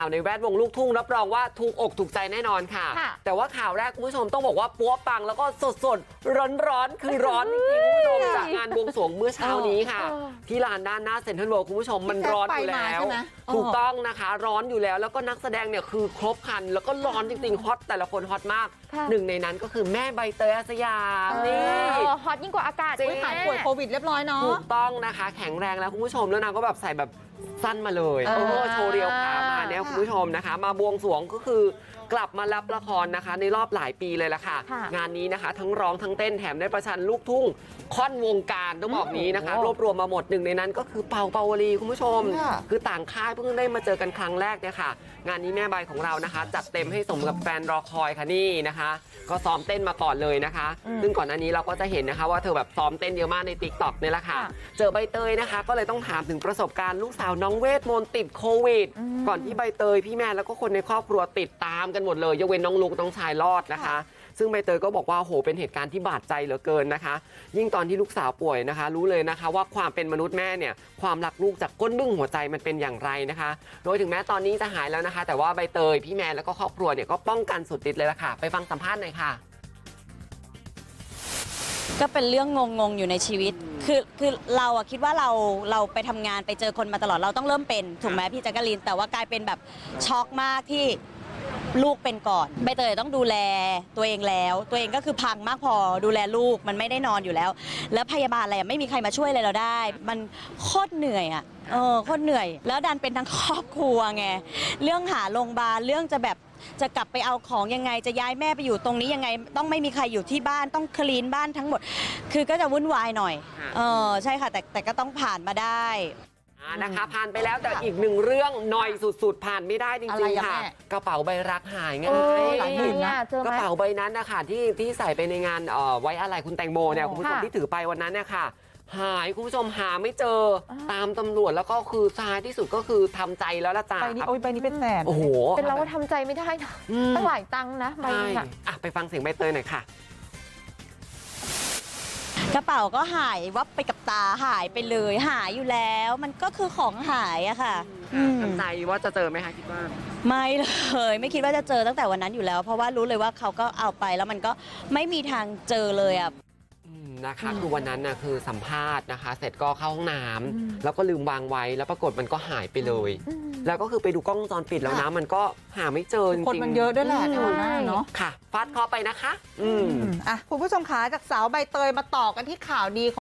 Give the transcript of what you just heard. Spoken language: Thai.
ในแวดวงลูกทุ่งรับรองว่าถูกอกถูกใจแน่นอนค่ะแต่ว่าข่าวแรกคุณผู้ชมต้องบอกว่าปัวปังแล้วก็สดร้อนคือร้อนจริงๆคุณผู้ชมจากงานบวงสรวงเมื่อเช้านี้ค่ะที่ลานด้านหน้าเซ็นทรัลเวิลด์คุณผู้ชมมันร้อนอยู่แล้วถูกต้องนะคะร้อนอยู่แล้วแล้วก็นักแสดงเนี่ยคือครบครันแล้วก็ร้อนจริงๆฮอตแต่ละคนฮอตมากหนึ่งในนั้นก็คือแม่ใบเตยอาสยามนี่ฮอตยิ่งกว่าอากาศหายป่วยโควิดเรียบร้อยเนาะถูกต้องนะคะแข็งแรงแล้วคุณผู้ชมแล้วนางก็แบบใส่แบบสั้นมาเลยโชว์เรียวขามาเนี่ยคุณผู้ชมนะคะมาบวงสรวงก็คือกลับมารับละครนะคะในรอบหลายปีเลยล่ะค่ะงานนี้นะคะทั้งร้องทั้งเต้นแถมได้ประชันลูกทุ่งค่อนวงการต้องบอกนี้นะคะรวบรวมมาหมดหนึ่งในนั้นก็คือเปาเปาวลีคุณผู้ชมคือต่างค่ายเพิ่งได้มาเจอกันครั้งแรกเนี่ยค่ะงานนี้แม่ใบของเรานะคะจัดเต็มให้สมกับแฟนรอคอยค่ะนี่นะคะก็ซ้อมเต้นมาก่อนเลยนะคะซึ่งก่อนหน้านี้เราก็จะเห็นนะคะว่าเธอแบบซ้อมเต้นเยอะมากใน TikTok เนี่ยแหละค่ะเจอใบเตยนะคะก็เลยต้องถามถึงประสบการณ์ลูกสาวน้องเวทมนต์ติดโควิดก่อนที่ใบเตยพี่แม่แล้วก็คนในครอบครัวติดตามกันหมดเลยยกเว้นน้องลุกน้องชายรอดนะคะซึ่งใบเตยก็บอกว่าโหเป็นเหตุการณ์ที่บาดใจเหลือเกินนะคะยิ่งตอนที่ลูกสาวป่วยนะคะรู้เลยนะคะว่าความเป็นมนุษย์แม่เนี่ยความรักลูกจากก้นบึ้งหัวใจมันเป็นอย่างไรนะคะโดยถึงแม้ตอนนี้จะหายแล้วนะคะแต่ว่าใบเตยพี่แม่แล้วก็ครอบครัวเนี่ยก็ป้องกันสุดฤทธิ์เลยล่ะค่ะไปฟังสัมภาษณ์หน่อยค่ะก็เป็นเรื่องงงอยู่ในชีวิตคือเราอะคิดว่าเราไปทำงานไปเจอคนมาตลอดเราต้องเริ่มเป็นถูกไหมพี่แจ๊กกะลีนแต่ว่ากลายเป็นแบบช็อกมากที่ลูกเป็นก่อนใบเตยต้องดูแลตัวเองแล้วตัวเองก็คือพังมากพอดูแลลูกมันไม่ได้นอนอยู่แล้วแล้วพยาบาลอะไรไม่มีใครมาช่วยอะไรเราได้มันโคตรเหนื่อยอะโคตรเหนื่อยแล้วดันเป็นทั้งครอบครัวไงเรื่องหาโรงพยาบาลเรื่องจะกลับไปเอาของยังไงจะย้ายแม่ไปอยู่ตรงนี้ยังไงต้องไม่มีใครอยู่ที่บ้านต้องคลีนบ้านทั้งหมดคือก็จะวุ่นวายหน่อยใช่ค่ะแต่ก็ต้องผ่านมาได้นะคะผ่านไปแล้วแต่อีกหนึ่งเรื่องหน่อยสุดๆผ่านไม่ได้จริงๆค่ะกระเป๋าใบรักหายไงหลายหมื่นนะกระเป๋าใบนั้นนะคะที่ใส่ไปในงานไว้อะไรคุณแตงโมเนี่ยคุณผู้ชมที่ถือไปวันนั้นเนี่ยค่ะหายคุณผู้ชมหาไม่เจอตามตำรวจแล้วก็คือท้ายที่สุดก็คือทำใจแล้วละจ้าใบนี้เป็นแสนโอ้โหเป็นเราว่าทำใจไม่ได้นะตั้งหลายตังค์นะใบนี้ไปฟังเสียงใบเตยหน่อยค่ะกระเป๋าก็หายวับไปกับตาหายไปเลยหายอยู่แล้วมันก็คือของหายอะค่ะทำใจว่าจะเจอไหมคะคิดว่าไม่เลยไม่คิดว่าจะเจอตั้งแต่วันนั้นอยู่แล้วเพราะว่ารู้เลยว่าเขาก็เอาไปแล้วมันก็ไม่มีทางเจอเลยอะนะคะคือวันนั้นนะคือสัมภาษณ์นะคะเสร็จก็เข้าห้องน้ำแล้วก็ลืมวางไว้แล้วปรากฏมันก็หายไปเลยแล้วก็คือไปดูกล้องวงจรปิดแล้วนะมันก็หาไม่เจอจริงๆคนมันเยอะด้วยแหละเนาะค่ะฟาดเคาะไปนะคะคุณผู้ชมคะจากสาวใบเตยมาต่อกันที่ข่าวดี